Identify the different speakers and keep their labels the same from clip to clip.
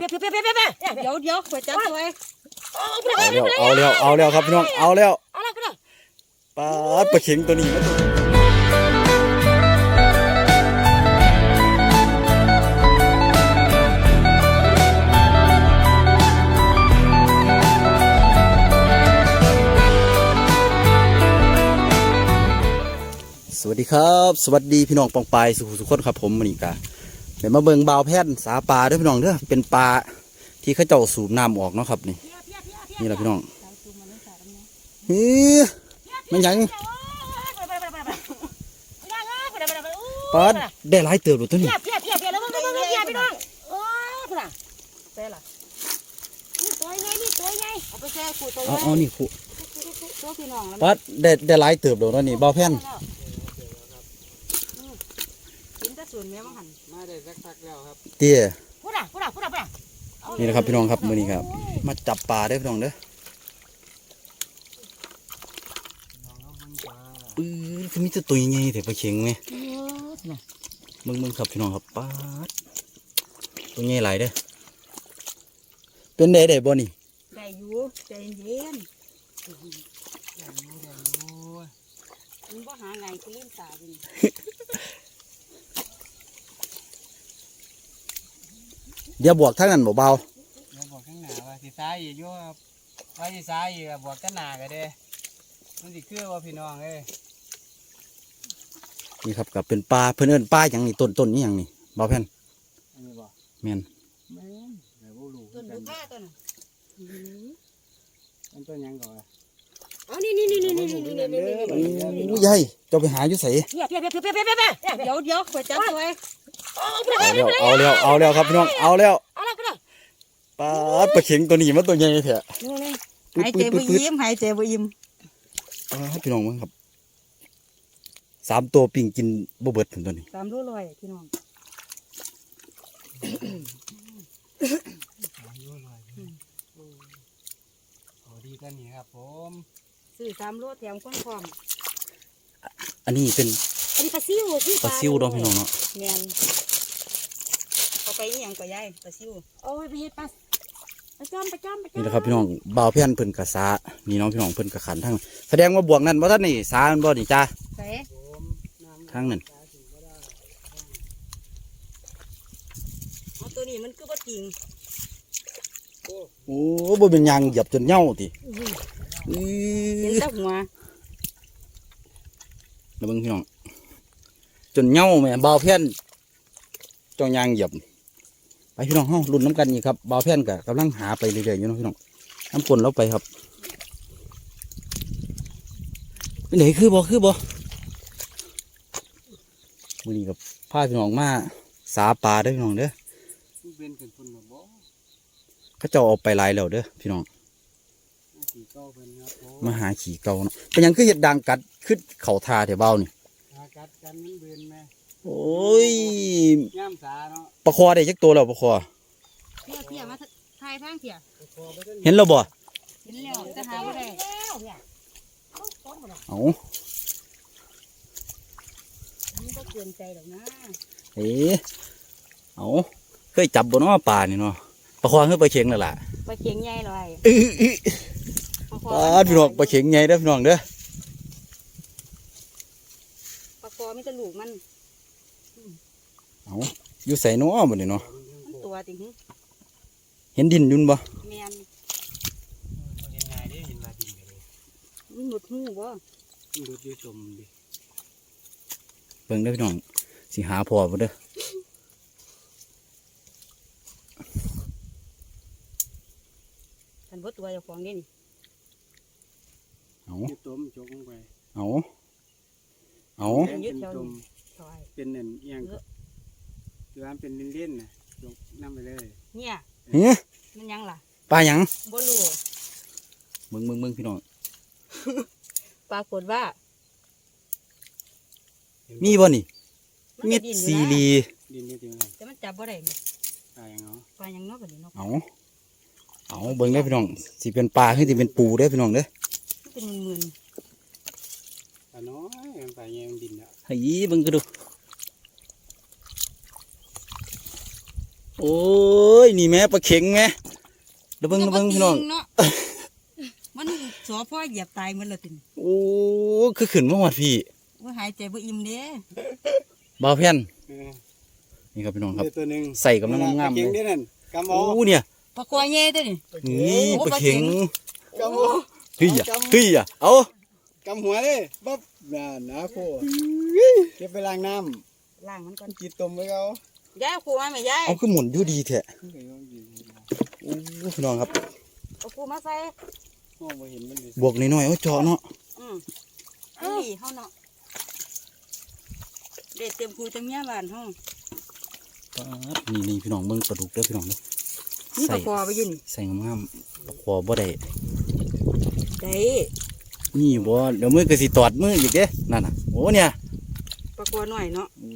Speaker 1: เดี๋ยวขวดจับตัวไอ้
Speaker 2: เอาแล้วครับพี่น้องเอาแล้วปลาเข็งตัวนี้นะสวัสดีครับสวัสดีพี่น้องปองปายสุขคนครับผมวันนี้กะเดี๋ยวมาเบิ่งบ่าวแพทย์สาปลาด้วยพี่น้องเด้อเป็นปลาที่เขาเจ้าสูบน้ำออกเนาะครับนี่แหละพี่น้องมันยังปลาได้หลายเติบเลยตัวนี้
Speaker 1: แล้วมึงพี่น้องโอ้คุณล่ะเต้ล่ะนี่ตัวใหญ่เอาไปแช่ขูดตัวใหญ่
Speaker 2: เอานี่คู่
Speaker 1: ตัวพี่น้อง
Speaker 2: ปลาได้หลายเติบเลยตัวนี้บ่าวแพทย์
Speaker 1: กินแต่ส่วนแม่มังหัน
Speaker 3: มาได้สักแล้วครับ
Speaker 2: เตี้ย
Speaker 1: พูดอ่ะ
Speaker 2: นี่นะครับพี่น้องครับมื้อนี้ครับมาจับปลาได้พี่น้องเด้อคือมีแต่ตัวใหญ่แต่ปลาเข็งไหมมึงครับพี่น้องครับปลาตัวใหญ่หลายเด้อเป็นได้บ่นี่
Speaker 1: ได้อยู่ใจเย็นมึงบ่หาไงกูเล่นตาดิ
Speaker 2: เดี๋ยวบวกทั้งนั้นเบา
Speaker 3: เดี๋ยวบอกข้างหน้าว่าสิซ้ายอีกอยู่ครับว่าสิซ้ายอีกบวกกันหน้าก็ได้มันสิคือว่าพี่น้อง
Speaker 2: นี่ครับกับเป็นปลาเพื่อนเอิ้นปลาอย่างนี้ต้นนี่อย่างนี้เบาแผ่น
Speaker 3: อันนี้บ่
Speaker 2: แม่น
Speaker 3: แต่บ่รู้
Speaker 1: ต้นบุก้าต้น
Speaker 3: มันต้นยังก่อน
Speaker 1: อ๋อนี่
Speaker 2: ใหญ่เจ้าไปหาอยู่ไส
Speaker 1: เดี๋ยวขวดจับตัวไอ้
Speaker 2: เอาแล้วครับพี่น้องเอาแล้วปลาเข็งตัวนี้มันตัวใหญ่แท้
Speaker 1: หายใจบ่ยิ้ม
Speaker 2: พี่น้องมั้งครับ3ตัวปิ่งกินบ่เบิดถึงตัวนี้
Speaker 1: 3 โลร้อยพี่น้อง
Speaker 3: ดีกันนี่ครับผม
Speaker 1: ซื้อ3 โลแถมก้นพร้อม
Speaker 2: อันนี้เป็น
Speaker 1: ปลาซิว
Speaker 2: เนาะพี่น้องเนาะ
Speaker 1: แม่นเอาไปอีหยังก็ยายปลาซิวโอ้ยไปเฮ็ดปลาจ้อม
Speaker 2: นี่แหละครับพี่น้องบ่าวเพี้ยนเพิ่นกะสานี่น้องพี่น้องเพิ่นกะขันทั้งแสดงว่าบวกนั่นบ่ทันนี่สามันบ่นี่จ้าทั้งนั้น
Speaker 1: ตัวนี้มันคือบ่จริง
Speaker 2: โอ้บ่เป็นยางเหยียบจนเหย้าติ
Speaker 1: เห็นแต่หัว
Speaker 2: แล้วเบิ่งพี่น้องจนเหย้าแม่บ่าวเพี้ยนจ้องยางเหยียบไปพี่น้องเฮาลุ้นน้ำกันอีกครับบ่าวเพี้ยนก็กำลังหาไปเรื่อยๆอยู่เนาะพี่น้องน้ำฝนเราไปครับเป็นไหนคือบ่มื้อนี้กับพาพี่น้องมาสาปลาเด้อพี่น้องเด้อเขาเจ้าเอาไปหลายแล้วเด้อพี่น้องมาหาขี่เก่าเนาะเป็นยังคือเห็ดดังกัดขึ้นเข่าทาแถวเบ้านี่
Speaker 3: กัดกันมันเบือนไหม
Speaker 2: โอ้ย
Speaker 3: ย่ำสาเนาะ
Speaker 2: ปลาคอได้จักตัวแล้วปลาคอ
Speaker 1: เพียมาทายทางเพีย
Speaker 2: เห็นแล้วบ่
Speaker 1: เห็นแล้วจะหาบ่ได้
Speaker 2: เอา
Speaker 1: นี่ก็เกินใจหรอกนะ
Speaker 2: เอาเคยจับบ่เนาะปลานี่เนาะปลาคอคือปลาเข็งนั่นแหละ
Speaker 1: ปลาเข็งใหญ่เลย
Speaker 2: ปลาพี่น้องปลาเข็งใหญ่เด้อพี่น้องเด้อ
Speaker 1: ปลาคอไม่จะลูกมัน
Speaker 2: เอาอยู่ใส่เนาะบ่นี่เนาะ
Speaker 1: มันตัวติง
Speaker 2: เห็นดินยุ่นบ่
Speaker 1: แม่น
Speaker 3: เห็นไงได้เห็นมาดินกันเลย
Speaker 1: มันหลุดหูบ่
Speaker 3: หลุดอยู่จมดิ
Speaker 2: เบิ่งเด้อพี่น้องสิหาพอบ่เด้อ
Speaker 1: ฉันบ่ตัวเจ้าของนี่
Speaker 2: เอา
Speaker 3: ต้มจกลงไป
Speaker 2: เอา
Speaker 3: เป็นเน่นเอียงคือมันเป็นเล่นๆนะยกน้ำไปเลย
Speaker 1: เนี่ยมันยังล่ะ
Speaker 2: ปลาหยัง
Speaker 1: บ่รู้
Speaker 2: มึงพี่น้อง
Speaker 1: ปรากฏว่า
Speaker 2: มีบ่นี่เม็ดซีรี
Speaker 3: ดินจริงๆ
Speaker 1: แต่มันจับบ่ได้
Speaker 3: ปลายังเนาะ
Speaker 1: บัดนี้เนาะ
Speaker 2: เอาเบิ่งได้พี่น้องสิเป็นปลาคือสิเป็นปูเด้อพี่น้องเด้อ
Speaker 1: เป็นหมื่น
Speaker 3: ปลาน้อยปลาแยงดินอ่ะ
Speaker 2: เฮ้ยเบิ่งก็ดูโอ้ยนี่แม่ปลาเข็งแม่ระเบิงพี่น้อง
Speaker 1: เนาะมันสอพ่อเหยียบตายหมันละติน
Speaker 2: โอ้คือขึ้นมาหอดพี่
Speaker 1: ว่าหายใจบ่อิ่มเด้
Speaker 2: บ่าวแผ่น
Speaker 3: เออ
Speaker 2: นี่ครับพี่น้องครับ
Speaker 3: เดี๋ยวตัวหนึง
Speaker 2: ใส่กำลังงามๆ
Speaker 3: เก่ง
Speaker 2: เล
Speaker 3: นี่
Speaker 2: ย
Speaker 3: นั่นกำ
Speaker 2: โอ้
Speaker 3: เอา
Speaker 2: เนี่ย
Speaker 1: ปลากวายเย่ตัวนี่
Speaker 2: นี่ปลาเข็ง
Speaker 3: กำเอา
Speaker 2: เฮ้ยอ่ะเฮ้ยอ่ะเอา
Speaker 3: กำหัวเลยบ๊อบน่าหนาโคเก็บไปล้างน้
Speaker 1: ล้างมันก่อน
Speaker 3: ำกินต้มไว้เขา
Speaker 1: ยายเอาคู่มาไหมยาย
Speaker 2: เอาคือหมุนอยู่ดีแท้โอ้พี่น้องครับ
Speaker 1: เอาคู่มาใส่
Speaker 3: มองไม่เห็นมันเลย
Speaker 2: บวกน้อยๆเอาเจาะเนาะ
Speaker 1: อันนี้เฮาเนาะเด็ดเต็มคู่เต็มเมียบ้านเฮา
Speaker 2: ป๊าดนี่พี่น้องเบิ่งปลาดุกเด้อพี่น้องเด้อ
Speaker 1: นี่ปลาคอไปยิน
Speaker 2: ใส่งามๆปลาคอบ่ได้
Speaker 1: ได้
Speaker 2: นี่บ่เดี๋ยวมือก็สิตอดมืออีกเด้นั่นน่ะโอ้เนี่ย
Speaker 1: ปลาคอหน่อยเนาะ
Speaker 2: โอ้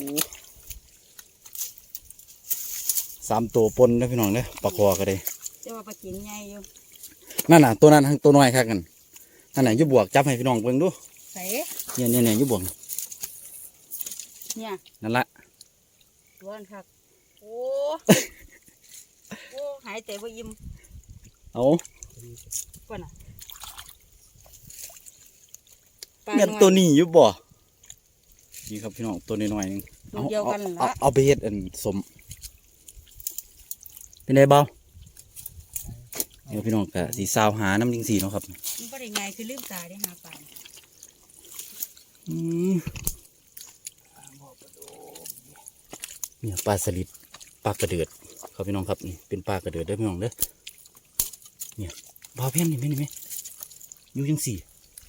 Speaker 2: 3ตัวปนนะพี่น้องเด้อปลาคอก็ได้
Speaker 1: แต่ว่าปลากินใหญ่อยู่
Speaker 2: นั่นน่ะตัวนั้นทั้งตัวน้อยคักกันนั่นน่ะอยู่บวกจับให้พี่น้องเบิ่งดู
Speaker 1: ใส่
Speaker 2: เนี่ยอยู่บวก
Speaker 1: เนี่ย
Speaker 2: นั่นละ
Speaker 1: ตัวนั้นครับโอ้ โอ้หายใจบ่อิ่ม
Speaker 2: เอา
Speaker 1: ก่อนน่ะปลา
Speaker 2: แม่น
Speaker 1: น้อย
Speaker 2: ตัวนี้อยู่บ่นี่ครับพี่น้องตัวน้อยๆนึง
Speaker 1: ตัวเดียวกันนั่นละ
Speaker 2: เอาไปเฮ็ดอันสมเป็นไงเบาเดี๋ยวพี่น้องก็สีสาวหาน้ำจริงสีเนาะครับ
Speaker 1: มันบ่ได้ง่ายคือลืมตาได้หาปลา
Speaker 2: อืมเนี่ยปลาสลิดปลากระเดือดครับพี่น้องครับนี่เป็นปลากระเดือดเด้อพี่น้องเด้อเนี่ยบาวเพี้ยนนี่ไหมอยู่จังสี่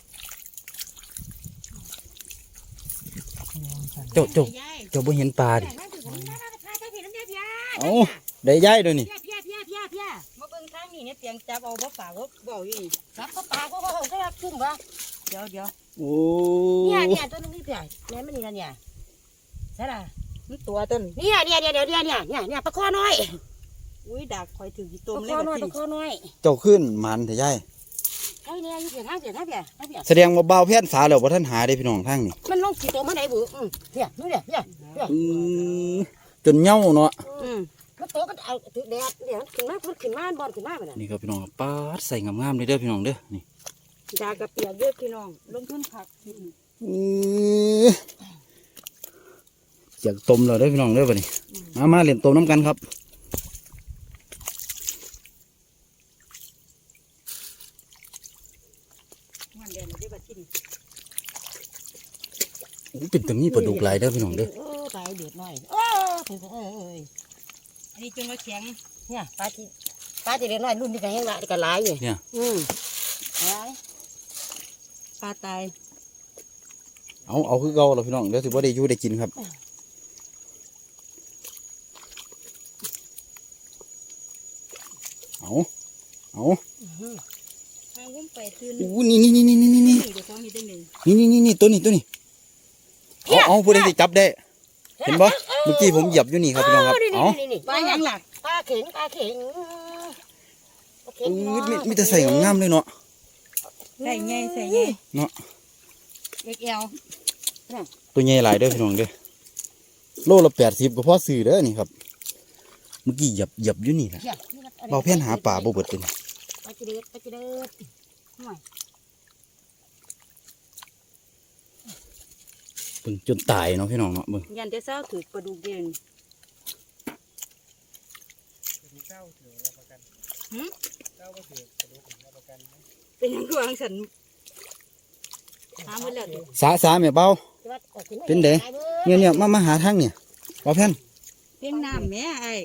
Speaker 2: เจ้าบ่เห็นปลาดิเอ้าได้ย้ายด้วยนี่
Speaker 1: มาเบิ่งทางนี้เนี่ยเตียงจับเอาบ่ป่าบ่เบาอยู่นี่จับก็ป่าก็ก็รับจุ่มวะเดี๋ยว
Speaker 2: โอ้
Speaker 1: เนี่ยต้นนี้เปียแม่มันนี่นั่นเนี่ยใช่ล่ะมันตัวต้นเนี่ยปลาคอน้อยอุ้ยดักคอยถือกี่ต้มเลยปลาคอน้อย
Speaker 2: เจ้าขึ้นมันแต่ย้าย
Speaker 1: ไอ้เนี่ยอยู่เปียทางเปีย
Speaker 2: แสดงว่าบาวเพี้ยนสาแล้วบ่ท่านหาได้พี่น้องทางนี่
Speaker 1: มันลงกี่ตัวมาไหนบุเนี่ยนู่นเนี่ย
Speaker 2: จนเหย้าเนาะ
Speaker 1: มันโตก็เอาถือแดดเนี่ยขึ้นมาบอลขึ้นมาไปเลย
Speaker 2: นี่ครับพี่น้องปาดใส่งามๆเลยเด้อพี่น้องเด้อนี่
Speaker 1: ดากระเปียกเยอะพี่น้องลงทุนผัก
Speaker 2: อยากต้มเราได้อพี่น้องเด้อบัดนี้มาเล่นต้มน้ำกันครับ
Speaker 1: มันเดือนได้บัดที่นี่
Speaker 2: โอ้เป็นตัวนี้ปลาดุกหลายเด้อพี่น้องเด้อ
Speaker 1: ตายเดือดหน่อยถึงอันนี้จนว่าแข็งเนี่ยปลาที่เดือดหน่อยรุ่นนี้ก็แห้งละก็หลายอยู่
Speaker 2: เนี่ย
Speaker 1: หลายปลาตาย
Speaker 2: เอาคือเก่าเราพี่น้องเดี๋ยวถือว่าได้อยู่ได้กินครับเอา
Speaker 1: ทางวุ้มไปตื่น
Speaker 2: อู้นี่เ
Speaker 1: ดี๋ยวของนี่ได้หนึ่ง
Speaker 2: นี่ตัวนี้เอาผู้ใดที่จับได้ เห็นบ่เมื่อกี้ผมเหยียบอยู่นี่ครับพี่น้องครับเอา
Speaker 1: ปลาหยังหลักปลาเข็ง
Speaker 2: มีแต่ใส่งามๆเลยเนาะ
Speaker 1: ใส่ไง
Speaker 2: เนาะ
Speaker 1: เอ็กเอล
Speaker 2: ตัวใหญ่หลายเด้อพี่น้องเด้อโลละ80ก็พอซื้อเด้อนี่ครับเมื่อกี้เหยียบอยู่นี่แหละเบาแผ่นหาป่าบ่เบิดเลย
Speaker 1: ปลาจีเด็ดหน่อย
Speaker 2: เบิ่งจนตายเนาะพี่น้องเนาะเบิ่ง
Speaker 1: ยันจะเศร้าถือปลาดุกเด่น
Speaker 3: เจ้าถือประกันเจ้าก็ถือกระดูกประกัน
Speaker 1: เป็นยังกวางสันหาหมดแล้วดิ
Speaker 2: สาแม่เบาเป็นเด้เนี่ยมาหาทางเนี่ยเบาแผ่น
Speaker 1: เพียงน้ำแม่ไอ้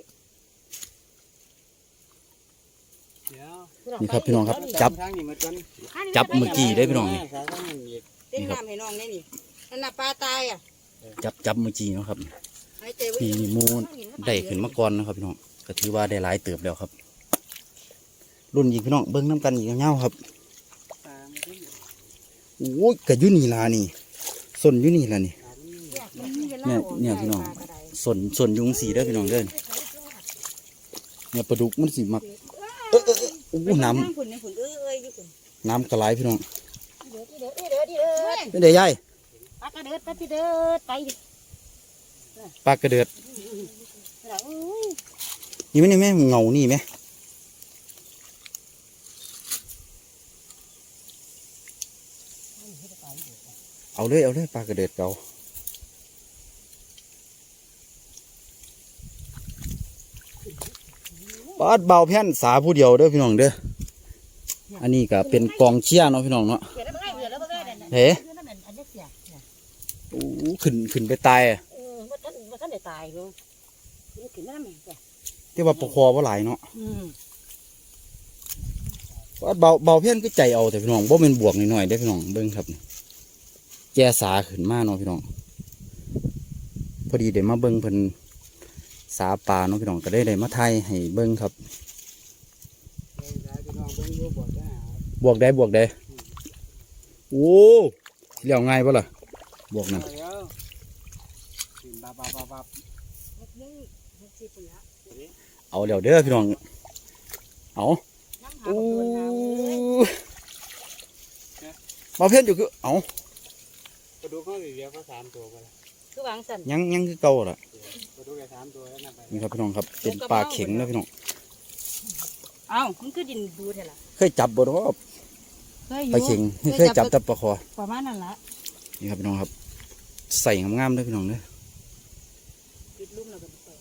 Speaker 3: เดี๋ยว
Speaker 2: นี่ครับพี่น้องครับจับ
Speaker 3: ทางนี้มาจน
Speaker 2: เมื่อกี้ได้อพี่น้องนี่
Speaker 3: สายทางนี้อีก
Speaker 1: เพียงน้ำให้น้องนี่นี่นั่นน่ะปลาตายอ่ะ
Speaker 2: จับเมื่อกี้เนาะครับ
Speaker 1: หายใจไว้
Speaker 2: นี่มูได้ขึ้นมาก่อนนะครับพี่น้องก็ถือว่าได้หลายเติบแล้วครับ รุ่นยิงพี่น้องเบิ้งน้ำกันอีกเงาครับ
Speaker 3: ตามมาที่นี่
Speaker 2: โอ้ยกระยุนี่ลานี่ส่วนยุนี่ล่ะนี่ เนี่ยพี่น้อง ส่วนยุงสีเด้อพี่น้องเด้อเนี่ยปลาดุกมันสีมักโอ้น้
Speaker 1: ฝุ่นในฝุ่นอยู่ฝุ่น
Speaker 2: ำกระไรพี่น้อง
Speaker 1: เดือด
Speaker 2: เป็นเดี๋ยวยาย
Speaker 1: ปลากระเดือดไป
Speaker 2: ปลากระเดือดนี่ไหมเงานี่ไหมเอาเลยปลากระเดิดเก่าปาดเบาแผ่นสาผู้เดียวเด้อพี่น้องเด้ออันนี้ก็เป็นกองเชียร์เนาะพี่น้องเนาะเฮ้โอ้ขึ้นไปตายอ่ะ
Speaker 1: ว่าท่านได้ตายอยู่ขึ้นมาแม่จ้ะ
Speaker 2: ที่ว่าปกคอว่าหลายเนาะปาดเบาแผ่นก็ใจเอาแต่พี่น้องบ่เป็นบวกหน่อยๆได้อพี่น้องเบิ้งครับแก่สาขึ้นมาเนาะพี่น้องพอดีเดี๋ยวมาเบิ้งเพิ่นสาปลาเนาะพี่น้องก็ได้มาไทยให้เบิ้งครับบวกได้โอ้เลี้ยวง่ายปะล่ะบวกนั่นเอาเดี๋ยวเด้อพี่น้องเอาโอ้มาเพ่นอยู่คือเอา
Speaker 3: กระดูกเขาเดียวเขา3 ตัวไปแล้ว
Speaker 1: คือวางสั่น
Speaker 2: ยังคือเก่าล่ะ
Speaker 3: กระดูกแค่3 ตัวแล้วนะไป
Speaker 2: นี่ครับพี่น้องครับเป็นปลาเข็งนะพี่น้อง
Speaker 1: เอ้ามันคือดินดูเท่าล่ะ
Speaker 2: เคยจับบ่เนาะ
Speaker 1: เคยอ
Speaker 2: ปลา
Speaker 1: ยู่
Speaker 2: เข็งเคยจับแต่ปลาคอ
Speaker 1: ประมาณนั้นละ
Speaker 2: นี่ครับพี่น้องครับใส่งามๆด้วยพี่น้องเด้อ
Speaker 1: ปิดลุ่มแล้วก็ไป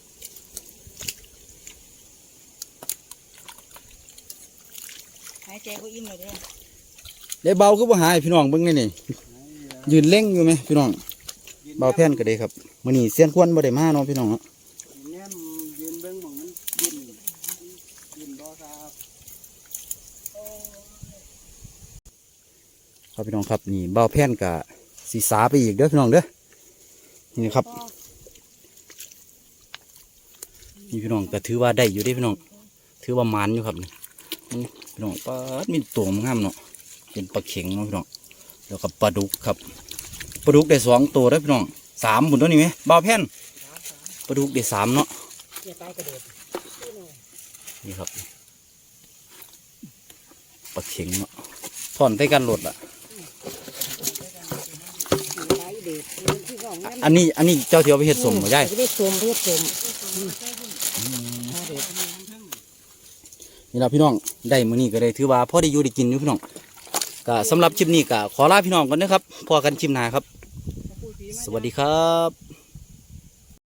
Speaker 1: หายใจก็อิ่มเลยเด้อ
Speaker 2: ได้เบาก็บ่หายพี่น้องเบิ่งนี่ยืนเล่งอยู่ไหมพี่น้องเบาแผ่นก็ได้ครับมื้อนี้เสียนควรบ่ได้มาเนาะพี่น้องเนาะ
Speaker 3: เนี่ยยืนเบิ้งมองมันยืนบ่ครับ
Speaker 2: ครับพี่น้องครับนี่เบาแผ่นกับสีสาไปอีกเด้อพี่น้องเด้อนี่ครับนี่พี่น้องก็ถือว่าได้อยู่เด้อพี่น้องถือว่ามันอยู่ครับนี่พี่น้องปลามีตัวงามเนาะเป็นปลาเข็งเนาะพี่น้องแล้วก็ปลาดุกครับปลาดุกได้2 ตัวเด้อพี่น้อง3 บุญตัวนี้ไหมเบาแผ่นปลาดุกได้3เนาะ
Speaker 1: เสียไปกระโดด
Speaker 2: นี่ครับปลาเข็งเนาะถอนใส่กันหลดอ่ะอันนี้เจ้าเทียวไปเห็ดสมมาได้
Speaker 1: ไม่ได้สมเรียกสม
Speaker 2: นี่ละพี่น้องได้มื้อนี้ก็ได้ถือว่าพอได้อยู่ได้กินอยู่พี่น้องก็สำหรับคลิปนี้ก็ขอลาพี่น้องกันนะครับพอกันคลิปหน้าครับ สวัสดีครับ